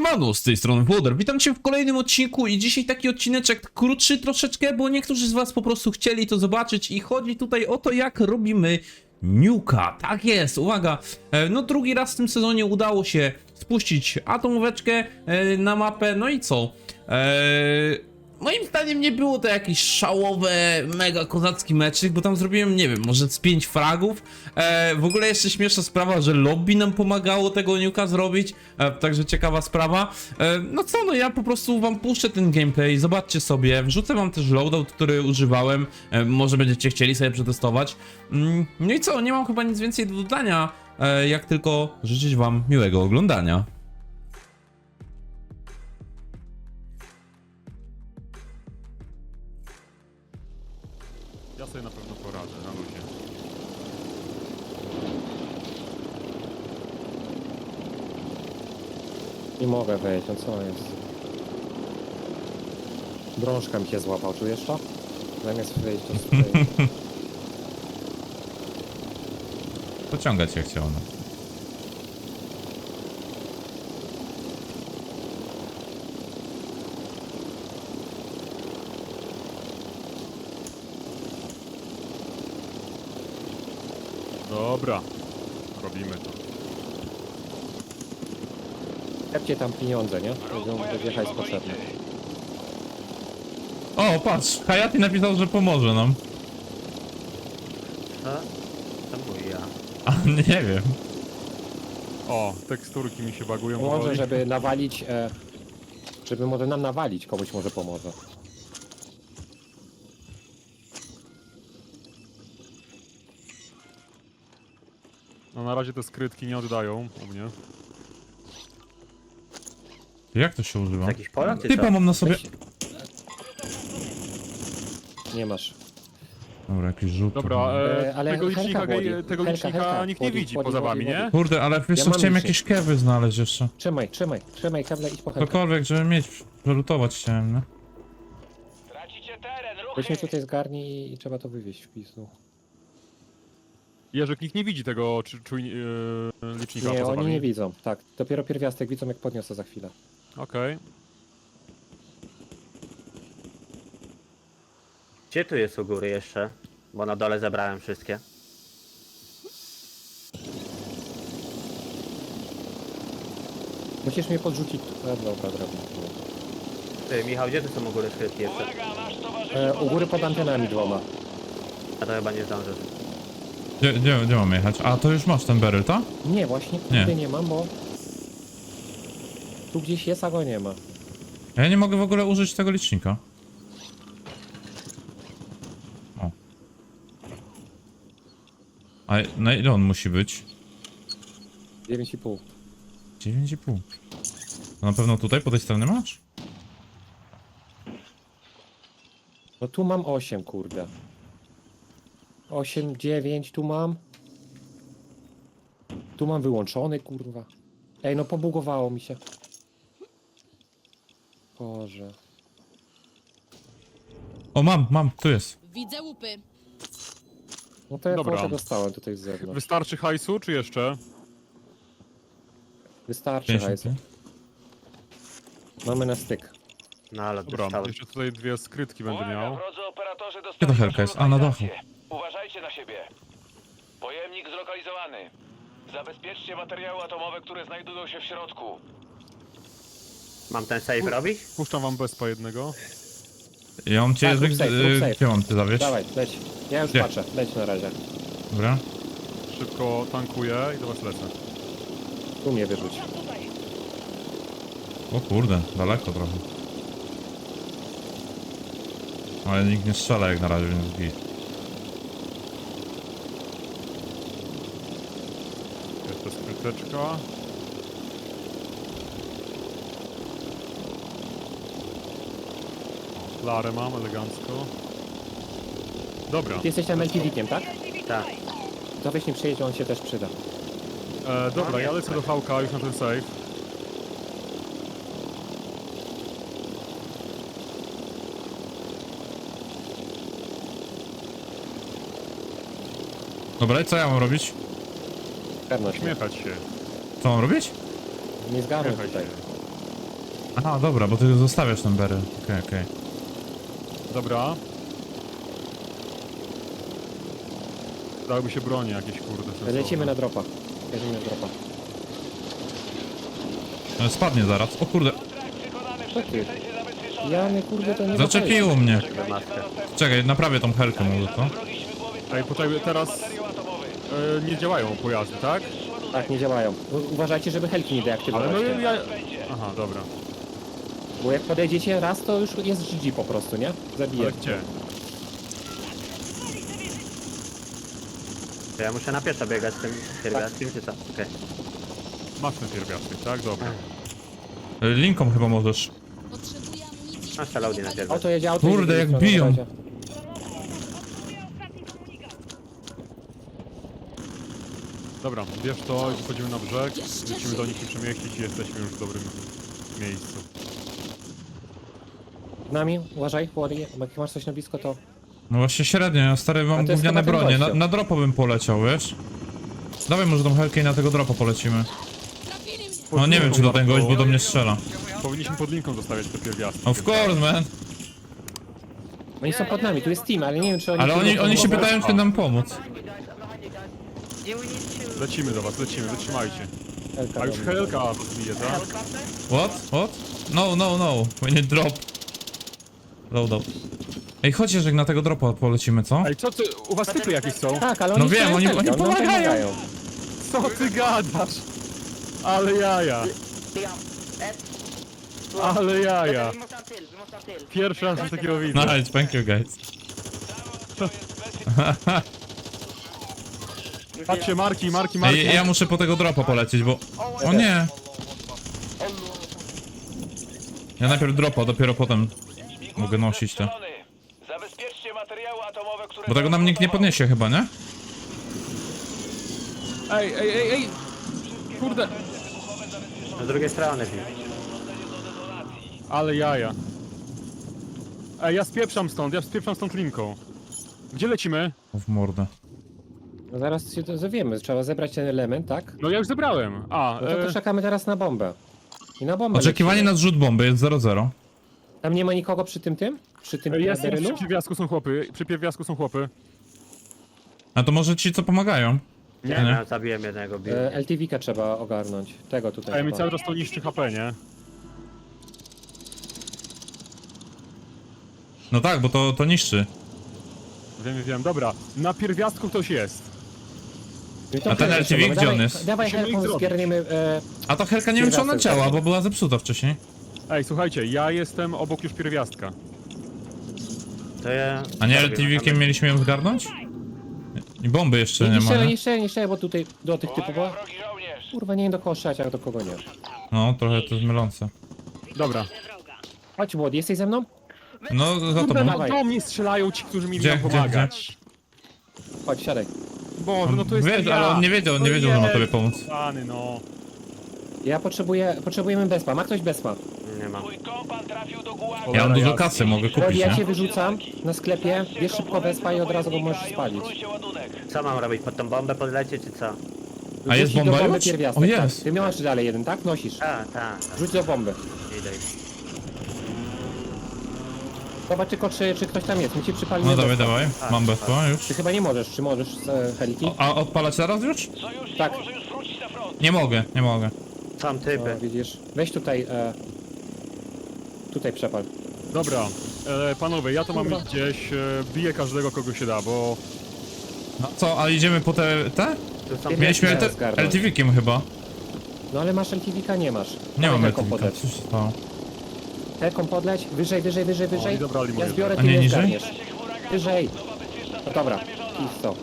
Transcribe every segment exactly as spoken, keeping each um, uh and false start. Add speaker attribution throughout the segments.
Speaker 1: Siemano, z tej strony Włoder. Witam cię w kolejnym odcinku i dzisiaj taki odcineczek krótszy troszeczkę, bo niektórzy z was po prostu chcieli to zobaczyć i chodzi tutaj o to, jak robimy nuka. Tak jest, uwaga, e, no drugi raz w tym sezonie udało się spuścić atomóweczkę e, na mapę, no i co? Eee... Moim zdaniem nie było to jakiś szałowe, mega kozacki meczyk, bo tam zrobiłem, nie wiem, może z pięć fragów. E, w ogóle jeszcze śmieszna sprawa, że lobby nam pomagało tego nuka zrobić, e, także ciekawa sprawa. E, no co, no ja po prostu wam puszczę ten gameplay, zobaczcie sobie, wrzucę wam też loadout, który używałem, e, może będziecie chcieli sobie przetestować. Mm, no i co, nie mam chyba nic więcej do dodania, e, jak tylko życzyć wam miłego oglądania.
Speaker 2: Ja sobie na pewno poradzę, na luzie.
Speaker 3: Nie mogę wejść, no co jest? Drążka mi się złapał, czujesz to? Zamiast wejść do swojej.
Speaker 1: Pociągać się chciał, no.
Speaker 2: Dobra, robimy to.
Speaker 3: Lepcie tam pieniądze, nie? Będą wyjechać z potrzebne.
Speaker 1: O, patrz, Hayati napisał, że pomoże nam.
Speaker 4: A? Tam był ja.
Speaker 1: A, nie wiem.
Speaker 2: O, teksturki mi się bagują.
Speaker 3: Może,
Speaker 2: powoli.
Speaker 3: żeby nawalić, e, żeby może nam nawalić, komuś może pomoże.
Speaker 2: No na razie te skrytki nie oddają u mnie.
Speaker 1: Jak to się używa?
Speaker 4: Jakiś Polak czy
Speaker 1: Typa
Speaker 4: co?
Speaker 1: mam na sobie.
Speaker 3: Weź. Nie masz.
Speaker 1: Dobra, jakiś rzut.
Speaker 2: Dobra,
Speaker 3: E,
Speaker 2: e,
Speaker 3: ale
Speaker 2: tego licznika,
Speaker 3: Helka wodzi.
Speaker 2: ge- tego
Speaker 3: Helka,
Speaker 2: licznika
Speaker 3: Helka,
Speaker 2: nikt nie
Speaker 3: wodzi,
Speaker 2: widzi
Speaker 3: wodzi,
Speaker 2: poza
Speaker 3: wodzi,
Speaker 2: wami, nie?
Speaker 3: wodzi.
Speaker 1: Kurde, ale wiesz
Speaker 3: Ja
Speaker 1: co,
Speaker 3: mam
Speaker 1: chciałem
Speaker 3: licznik.
Speaker 1: jakieś kewy znaleźć jeszcze.
Speaker 3: Trzymaj, trzymaj, trzymaj kable, idź po Helkę.
Speaker 1: Cokolwiek, żeby mieć, przelutować chciałem, no.
Speaker 5: Tracicie teren, ruchy!
Speaker 3: Weź mnie tutaj zgarnij i trzeba to wywieźć w pisu.
Speaker 2: Jerzyk, nikt nie widzi tego czy, czuj, yy, licznika
Speaker 3: Nie,
Speaker 2: poza
Speaker 3: oni
Speaker 2: wami.
Speaker 3: nie widzą, tak. Dopiero pierwiastek widzą, jak podniosę za chwilę.
Speaker 2: Okej.
Speaker 4: Gdzie tu jest u góry jeszcze? Bo na dole zebrałem wszystkie.
Speaker 3: Musisz mnie podrzucić. E, dobra, dobra.
Speaker 4: Ty, Michał, gdzie tu są u góry skrytki jeszcze?
Speaker 5: Uwaga, nasz towarzysz
Speaker 3: E, u góry pod antenami dwoma.
Speaker 4: A to chyba nie zdążę.
Speaker 1: Gdzie, gdzie, gdzie mam jechać? A, to już masz ten beryl, tak?
Speaker 3: Nie, właśnie
Speaker 1: Nie.
Speaker 3: tutaj nie mam, bo tu gdzieś jest, a go nie ma.
Speaker 1: Ja nie mogę w ogóle użyć tego licznika. O. A na ile on musi być?
Speaker 3: dziewięć i pół.
Speaker 1: dziewięć i pół. To na pewno tutaj, po tej stronie masz?
Speaker 3: No tu mam osiem, kurde. osiem, dziewięć, tu mam. Tu mam wyłączony, kurwa. Ej, no pobugowało mi się. Boże.
Speaker 1: O, mam, mam, tu jest.
Speaker 6: Widzę łupy.
Speaker 3: No to ja
Speaker 2: Dobra.
Speaker 3: może dostałem tutaj z zewnątrz.
Speaker 2: Wystarczy hajsu, czy jeszcze?
Speaker 3: Wystarczy,
Speaker 1: pięćdziesiąt.
Speaker 3: hajsu. Mamy na styk.
Speaker 4: No ale
Speaker 2: Dobra,
Speaker 4: dostałem.
Speaker 2: jeszcze tutaj dwie skrytki będę
Speaker 5: Uwaga,
Speaker 2: miał.
Speaker 5: drodzy operatorzy
Speaker 1: Gdzie
Speaker 5: dostali
Speaker 1: ta helka jest? A, na dachu.
Speaker 5: lokalizację. Uważajcie na siebie. Pojemnik zlokalizowany. Zabezpieczcie materiały atomowe, które znajdują się w środku.
Speaker 4: Mam ten save robić?
Speaker 2: Puszczam wam bezpa jednego.
Speaker 1: Ja mam cię,
Speaker 3: Tak, rób
Speaker 1: Jerzyk,
Speaker 3: safe, rób
Speaker 1: y,
Speaker 3: safe.
Speaker 1: gdzie mam ty zawieźć?
Speaker 3: Dawaj, leć. Ja już
Speaker 1: Gdzie?
Speaker 3: patrzę, leć na razie.
Speaker 1: Dobra.
Speaker 2: Szybko tankuję i do was lecę.
Speaker 3: Tu mnie wyrzuć.
Speaker 1: O kurde, daleko trochę. Ale nikt nie strzela jak na razie, więc git.
Speaker 2: Jeszcze skryteczka. Larę mam, elegancko. Dobra,
Speaker 3: Ty jesteś tam L P D-kiem, tak?
Speaker 4: Tak.
Speaker 3: To weź nie przyjedzie, on się też przyda.
Speaker 2: e, dobra, ja lecę do V K już na ten save.
Speaker 1: Dobra, i co ja mam robić?
Speaker 3: Pewność.
Speaker 2: Śmiechać się.
Speaker 1: Co mam robić?
Speaker 3: Nie zgarnę
Speaker 2: Śmiechaj
Speaker 3: tutaj.
Speaker 2: się.
Speaker 1: Aha, dobra, bo ty zostawiasz ten beryl. Okej, okej.
Speaker 2: Dobra. Dałyby się bronie jakieś, kurde. sensowne.
Speaker 3: Lecimy na dropa. Lecimy na dropa.
Speaker 1: No, spadnie zaraz. O kurde,
Speaker 5: Kontrakt wykonany,
Speaker 3: Co
Speaker 5: wszystkie
Speaker 3: ty?
Speaker 5: sesje zabezpieczone.
Speaker 3: Ja nie kurde to nie
Speaker 1: zaczepiło mnie.
Speaker 5: Czekajcie na następny.
Speaker 1: Czekaj, naprawię tą helkę może, co?
Speaker 5: Wrogi śmigłowiec
Speaker 2: Ej, poczekaj, teraz
Speaker 5: materiał atomowy.
Speaker 2: e, nie działają pojazdy, tak?
Speaker 3: Tak, nie działają. U- Uważajcie, żeby helki nie deaktywować.
Speaker 2: Ale no
Speaker 3: te.
Speaker 2: ja...
Speaker 5: Będzie.
Speaker 2: Aha, dobra.
Speaker 3: Bo jak podejdziecie raz, to już jest G G po prostu, nie? Zabije.
Speaker 2: Ale gdzie?
Speaker 4: To ja muszę na pieszo biegać z tym pierwiastkiem, czy co? Okej.
Speaker 2: Masz ten pierwiastek, tak? Dobra.
Speaker 1: Linką chyba możesz.
Speaker 6: Potrzebuję amunicji.
Speaker 4: Masz te loady na pierwiastku.
Speaker 3: Auto jedzie, auto
Speaker 1: Kurde,
Speaker 3: jedzie,
Speaker 1: jak
Speaker 3: jedzie,
Speaker 1: biją.
Speaker 3: jedzie.
Speaker 2: Dobra, bierz to i wchodzimy na brzeg. Musimy do nich się przemieścić i jesteśmy już w dobrym miejscu.
Speaker 3: Z nami, uważaj, Włody, bo jak masz coś na blisko, to...
Speaker 1: No właśnie średnio, ja stary
Speaker 3: A
Speaker 1: mam
Speaker 3: to jest
Speaker 1: gówniane
Speaker 3: chyba ten
Speaker 1: bronie. Na,
Speaker 3: gościu.
Speaker 1: na dropo bym poleciał, wiesz? Dawaj może tą helkę i na tego dropa polecimy.
Speaker 6: Trafili mnie.
Speaker 1: No nie wiem czy do ten gość, bo do mnie strzela.
Speaker 2: Powinniśmy pod linką zostawiać te pierwiastki.
Speaker 1: Of course, man.
Speaker 3: Oni są pod nami, tu jest team, ale nie wiem, czy oni...
Speaker 1: Ale
Speaker 3: tu
Speaker 1: oni,
Speaker 3: są
Speaker 1: oni się
Speaker 3: pod-
Speaker 1: pytają, czy nam pomóc.
Speaker 2: Lecimy do was, lecimy, wytrzymajcie.
Speaker 3: Helka
Speaker 2: A już
Speaker 3: do mnie.
Speaker 2: helka zbije, tak?
Speaker 1: What? What? No, no, no. We need drop. Load up. Ej, chodźcie, że na tego dropa polecimy, co?
Speaker 2: Ej, co ty, u was typy jakieś są?
Speaker 3: Tak, ale oni
Speaker 1: No wiem,
Speaker 3: strzelają
Speaker 1: oni-
Speaker 3: helkę,
Speaker 1: oni
Speaker 3: nam
Speaker 1: pomagają.
Speaker 2: Co ty gadasz? Ale jaja, ale jaja. Pierwszy raz coś takiego widzę.
Speaker 1: Nice, thank you guys.
Speaker 2: Patrzcie, marki, marki, marki.
Speaker 1: Ej, ja muszę po tego dropa polecieć, bo... O nie! Ja najpierw dropa, dopiero potem mogę nosić to.
Speaker 5: Zabezpieczcie materiały atomowe, które
Speaker 1: Bo tego nam nikt nie podniesie chyba, nie?
Speaker 2: Ej, ej, ej, ej! Kurde,
Speaker 4: Z drugiej strony. Filip.
Speaker 2: ale jaja. Ej, ja spieprzam stąd, ja spieprzam stąd linką. Gdzie lecimy?
Speaker 1: O, w mordę.
Speaker 3: No zaraz się to dowiemy, trzeba zebrać ten element, tak?
Speaker 2: No ja już zebrałem. A,
Speaker 3: No to,
Speaker 2: e,
Speaker 3: to czekamy teraz na bombę. I na bombę
Speaker 1: Oczekiwanie
Speaker 3: lecimy.
Speaker 1: na zrzut bomby jest zero zero.
Speaker 3: Tam nie ma nikogo przy tym tym? Przy tym
Speaker 2: jest, jest,
Speaker 3: berylu?
Speaker 2: przy pierwiastku są chłopy, przy pierwiastku są chłopy.
Speaker 1: A to może ci co pomagają?
Speaker 4: Nie,
Speaker 1: Nie.
Speaker 4: ja zabiłem jednego, bił.
Speaker 3: E, L T V-kę trzeba ogarnąć. Tego tutaj.
Speaker 2: Ej, mi
Speaker 3: chyba.
Speaker 2: cały czas to niszczy H P, nie?
Speaker 1: No tak, bo to, to niszczy.
Speaker 2: Wiem, wiem, dobra. Na pierwiastku ktoś jest.
Speaker 3: No i to
Speaker 1: A ten
Speaker 3: helkę
Speaker 1: L T V
Speaker 3: trzeba.
Speaker 1: gdzie on
Speaker 3: Dawaj-
Speaker 1: jest?
Speaker 3: Dawaj
Speaker 2: Musimy ich
Speaker 3: helką,
Speaker 2: zrobić.
Speaker 3: zgarniemy... E,
Speaker 1: A ta helka nie wiem czy ona
Speaker 3: Pierwiastek,
Speaker 1: działa,
Speaker 3: tak.
Speaker 1: bo była zepsuta wcześniej.
Speaker 2: Ej, słuchajcie, ja jestem obok już pierwiastka.
Speaker 4: To ja...
Speaker 1: A nie
Speaker 4: zrobię
Speaker 1: L T V-kiem
Speaker 4: na
Speaker 1: mieliśmy ją zgarnąć? I bomby jeszcze
Speaker 3: nie
Speaker 1: nie ma,
Speaker 3: niszczę,
Speaker 1: nie?
Speaker 3: nie niszczę, nie niszczę, bo tutaj do tych typów...
Speaker 5: Uwaga,
Speaker 3: Bo...
Speaker 5: wrogi żołnierz.
Speaker 3: Kurwa, nie wiem do kogo strzelać, a do kogo nie.
Speaker 1: No, trochę to jest mylące.
Speaker 2: Dobra.
Speaker 3: Chodź, Młody, jesteś ze mną?
Speaker 1: No, za
Speaker 2: Kurde,
Speaker 1: tobą.
Speaker 2: no
Speaker 3: Dawaj.
Speaker 2: do mnie strzelają ci, którzy mi
Speaker 1: Gdzie,
Speaker 2: mieli
Speaker 1: gdzie,
Speaker 2: pomagać.
Speaker 3: Chodź, siadaj.
Speaker 2: Boże, no to jest
Speaker 1: Wiesz,
Speaker 2: ja.
Speaker 1: ale on nie wiedział, on nie
Speaker 2: No
Speaker 1: wiedział, że ma
Speaker 2: jest,
Speaker 1: tobie pomóc.
Speaker 2: Pany, no.
Speaker 3: Ja potrzebuję... Potrzebujemy bezpa. Ma ktoś bezpa?
Speaker 4: Nie ma.
Speaker 5: Mój kompan trafił do gułagu.
Speaker 1: Ja mam
Speaker 2: Cholera
Speaker 1: dużo
Speaker 2: jasna.
Speaker 1: kasy, mogę
Speaker 3: Młody,
Speaker 1: kupić,
Speaker 3: ja cię
Speaker 1: nie?
Speaker 3: wyrzucam na sklepie, bierz szybko bezpa i od razu go możesz spalić.
Speaker 5: Ładunek.
Speaker 4: Co mam robić? Pod tą bombę podlecieć, czy co?
Speaker 1: A jest
Speaker 3: Rzuć do
Speaker 1: bomba
Speaker 3: bomby
Speaker 1: już?
Speaker 3: pierwiastek,
Speaker 1: O,
Speaker 3: tak.
Speaker 1: jest.
Speaker 3: Ty masz dalej jeden, tak? Nosisz.
Speaker 4: A, tak, tak.
Speaker 3: Rzuć do bomby.
Speaker 4: Idę.
Speaker 3: Zobacz tylko, czy, czy ktoś tam jest. My ci przypalimy
Speaker 1: No dawaj,
Speaker 3: bezpa.
Speaker 1: dawaj. Mam bezpo już.
Speaker 3: Ty chyba nie możesz, czy możesz z e, heliki?
Speaker 1: O, a odpalać teraz już?
Speaker 5: Sojusznik
Speaker 3: Tak.
Speaker 5: może już wrócić na front.
Speaker 1: Nie mogę, nie mogę.
Speaker 4: Są typy.
Speaker 3: No, widzisz. Weź tutaj, e, tutaj przepal.
Speaker 2: Dobra. E, panowie, ja to mam
Speaker 3: Kurwa.
Speaker 2: gdzieś. E, biję każdego, kogo się da, bo...
Speaker 1: No co, a idziemy po te... te?
Speaker 4: Tu są...
Speaker 3: Nie,
Speaker 1: Mieliśmy
Speaker 3: nie,
Speaker 1: te-
Speaker 3: zgarnąć.
Speaker 1: L T V-kiem chyba.
Speaker 3: No ale masz L T V-ka? Nie masz.
Speaker 1: Nie
Speaker 3: Dawaj
Speaker 1: mam L
Speaker 3: helką
Speaker 1: T V-ka,
Speaker 3: podleć.
Speaker 1: co się stało?
Speaker 3: Helką podleć, wyżej, wyżej, wyżej, wyżej.
Speaker 2: i dobrali
Speaker 3: Ja
Speaker 2: moje
Speaker 3: zbiorę,
Speaker 1: A
Speaker 3: ty
Speaker 1: nie
Speaker 3: nie
Speaker 1: niżej?
Speaker 3: zgarniesz.
Speaker 5: Czasie huraganu.
Speaker 3: Wyżej.
Speaker 5: Nowa bezpieczna
Speaker 3: No
Speaker 5: strefa
Speaker 3: dobra,
Speaker 5: namierzona.
Speaker 3: i co?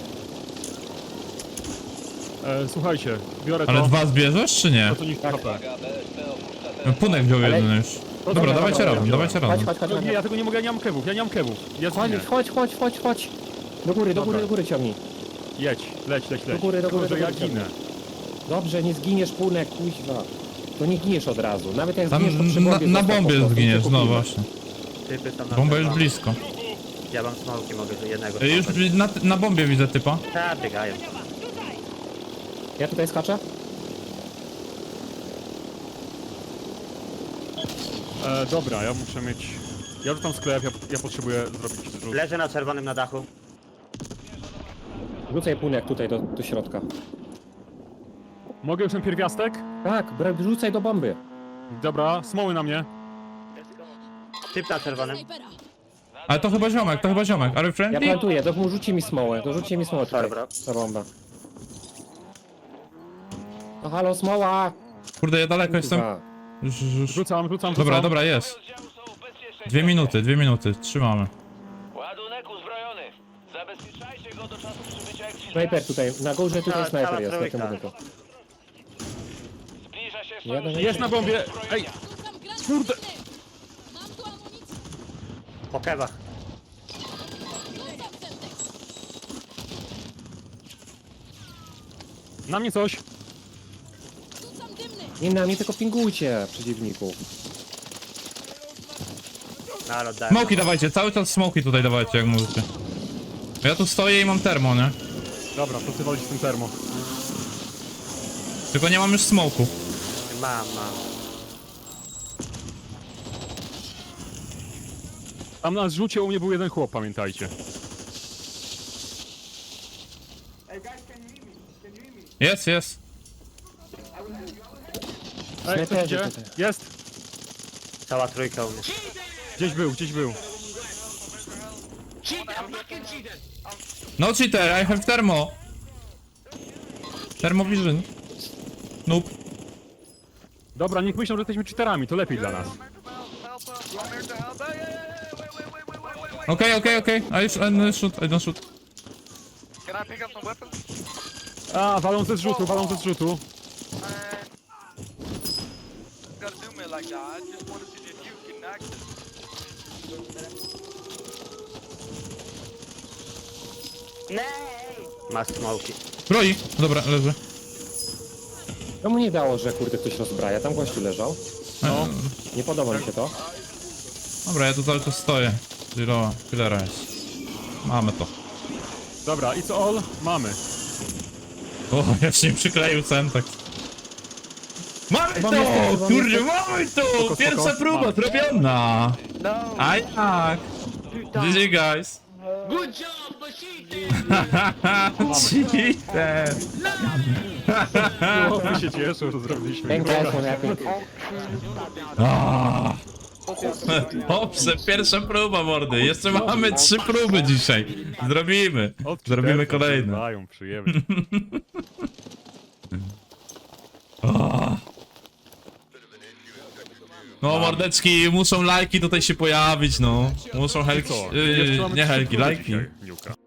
Speaker 2: E, słuchajcie, biorę
Speaker 1: Ale
Speaker 2: to.
Speaker 1: dwa zbierzesz, czy nie?
Speaker 2: To co niszczy
Speaker 3: Tak.
Speaker 2: H P.
Speaker 1: Punek wziął
Speaker 3: Ale-
Speaker 1: jeden już. Dobra, dawajcie
Speaker 3: dobra,
Speaker 1: razem,
Speaker 3: dobra.
Speaker 1: dawajcie
Speaker 3: Chodź,
Speaker 1: razem.
Speaker 3: chodź, chodź,
Speaker 2: No,
Speaker 3: chodź.
Speaker 2: nie, ja tego nie mogę, ja nie mam kewów, ja nie mam kewów. Ja
Speaker 3: Chodź,
Speaker 2: zginę.
Speaker 3: chodź, chodź, chodź, chodź. Do góry, do
Speaker 2: Dobra.
Speaker 3: góry, do góry ciągnij.
Speaker 2: Jedź, leć, leć, leć.
Speaker 3: Do góry, do góry,
Speaker 2: Tylko,
Speaker 3: do
Speaker 2: że
Speaker 3: góry
Speaker 2: ja ginę.
Speaker 3: Dobrze, nie zginiesz, Punek, kuźwa. To nie giniesz od razu. Nawet jak
Speaker 1: Tam
Speaker 3: zginiesz, to przy
Speaker 1: na,
Speaker 3: bombie
Speaker 1: na
Speaker 3: zostaw po
Speaker 1: bombie
Speaker 3: prostu,
Speaker 1: zginiesz,
Speaker 3: cię
Speaker 1: no
Speaker 3: kupimy.
Speaker 1: właśnie.
Speaker 4: Typy są na
Speaker 1: Bomba już
Speaker 4: pewno.
Speaker 1: blisko.
Speaker 4: Ja mam smoki, mogę z jednego
Speaker 1: Ej, Już
Speaker 4: smoka.
Speaker 1: na, na bombie widzę typa.
Speaker 4: Tak, biegają.
Speaker 3: Ja tutaj skaczę?
Speaker 2: E, dobra, ja muszę mieć... Ja rzucam sklep, ja, ja potrzebuję zrobić rzut.
Speaker 4: Leży na czerwonym na dachu.
Speaker 3: Rzucaj płunek tutaj do, do środka.
Speaker 2: Mogę już ten pierwiastek?
Speaker 3: Tak, bra- rzucaj do bomby.
Speaker 2: Dobra, smoły na mnie.
Speaker 4: Typ na czerwonym.
Speaker 6: Snajpera.
Speaker 1: Ale to chyba ziomek, to chyba ziomek. Are you
Speaker 3: Ja
Speaker 1: friendly?
Speaker 3: plantuję, to rzućcie mi smołę, to rzućcie mi smołę tutaj.
Speaker 4: Dobra.
Speaker 3: Ta bomba. No halo, smoła!
Speaker 1: Kurde, ja daleko jestem.
Speaker 3: Kurwa.
Speaker 1: Już, już, już.
Speaker 2: Rzucam, rzucam,
Speaker 1: Dobra,
Speaker 2: rzucam.
Speaker 1: dobra, jest.
Speaker 5: Oddziału są w bezpiecznej
Speaker 1: Dwie
Speaker 5: strefie.
Speaker 1: minuty, dwie minuty, trzymamy.
Speaker 5: Ładunek uzbrojony. Zabezpieczajcie go do czasu przybycia ekwipunku.
Speaker 3: Snajper tutaj, na górze tutaj
Speaker 4: Cała-
Speaker 3: snajper
Speaker 4: cała
Speaker 3: jest, na tym
Speaker 4: trójka.
Speaker 3: budynku.
Speaker 5: Zbliża się
Speaker 3: Jeden
Speaker 5: sojusznik
Speaker 2: Jest na bombie! Ej!
Speaker 6: Rzucam granat
Speaker 2: Kurde.
Speaker 6: minny. Mam tu amunicję.
Speaker 4: Po kewach.
Speaker 6: Rzucam Semtex.
Speaker 2: Na mnie coś!
Speaker 6: Rzucam dymny.
Speaker 3: Nie na mnie, tylko pingujcie przeciwników.
Speaker 4: No ale oddaję.
Speaker 1: Smoki dawajcie, cały czas smoki tutaj dawajcie, jak możecie. Ja tu stoję i mam termo, nie?
Speaker 2: Dobra, co walić z tym termo?
Speaker 1: Tylko nie mam już smoku.
Speaker 4: Mam, mam.
Speaker 2: Tam na zrzucie u mnie był jeden chłop, pamiętajcie.
Speaker 1: Jest, jest.
Speaker 2: Ej,
Speaker 3: Snajperzy
Speaker 2: ktoś idzie?
Speaker 3: tutaj.
Speaker 2: Jest!
Speaker 4: Cała trójka u mnie.
Speaker 2: Gdzieś był, gdzieś był.
Speaker 1: No cheater, I have thermo. Thermovision. Noob.
Speaker 2: Dobra, niech myślą, że jesteśmy cheaterami, to lepiej dla nas.
Speaker 1: Okej, okej, okej. I sh- I don't shoot, I don't shoot.
Speaker 7: Can I pick up some weapons?
Speaker 2: A, walą ze zrzutu, walą ze zrzutu.
Speaker 7: You gotta do me like that. I just wanted to see if you can access.
Speaker 4: Masz smoki.
Speaker 1: Broi. Dobra, leży.
Speaker 3: No mu nie dało, że kurde ktoś rozbraja, tam gościu leżał.
Speaker 2: No.
Speaker 3: Nie podoba mi się to.
Speaker 1: Dobra, ja tu cały czas stoję. Zero, killera jest. Mamy to.
Speaker 2: Dobra, it's all? Mamy.
Speaker 1: O, ja się nie przykleił centek. Mamy
Speaker 3: Mam
Speaker 1: to!
Speaker 3: jeszcze, mam
Speaker 1: Kurde,
Speaker 3: jeszcze.
Speaker 1: mamy to!
Speaker 2: Spoko,
Speaker 1: Pierwsza
Speaker 2: spoko.
Speaker 1: próba
Speaker 2: Mamy.
Speaker 1: zrobiona! A jak? G G guys! Cheater!
Speaker 2: Chłopy się cieszą, że zrobiliśmy.
Speaker 3: Ten guys one happy.
Speaker 1: Ah. Dobrze, pierwsza próba mordy. Jeszcze mamy trzy próby dzisiaj. Zrobimy.
Speaker 2: Od
Speaker 1: Zrobimy
Speaker 2: czterech
Speaker 1: kolejne.
Speaker 2: Dają, przyjemnie.
Speaker 1: Ah. No mordeczki, muszą lajki tutaj się pojawić, no. Muszą helki,
Speaker 2: Co?
Speaker 1: yy,
Speaker 2: Jeszcze mamy
Speaker 1: nie
Speaker 2: trzy
Speaker 1: helki,
Speaker 2: próby
Speaker 1: lajki.
Speaker 2: dzisiaj, Niuka.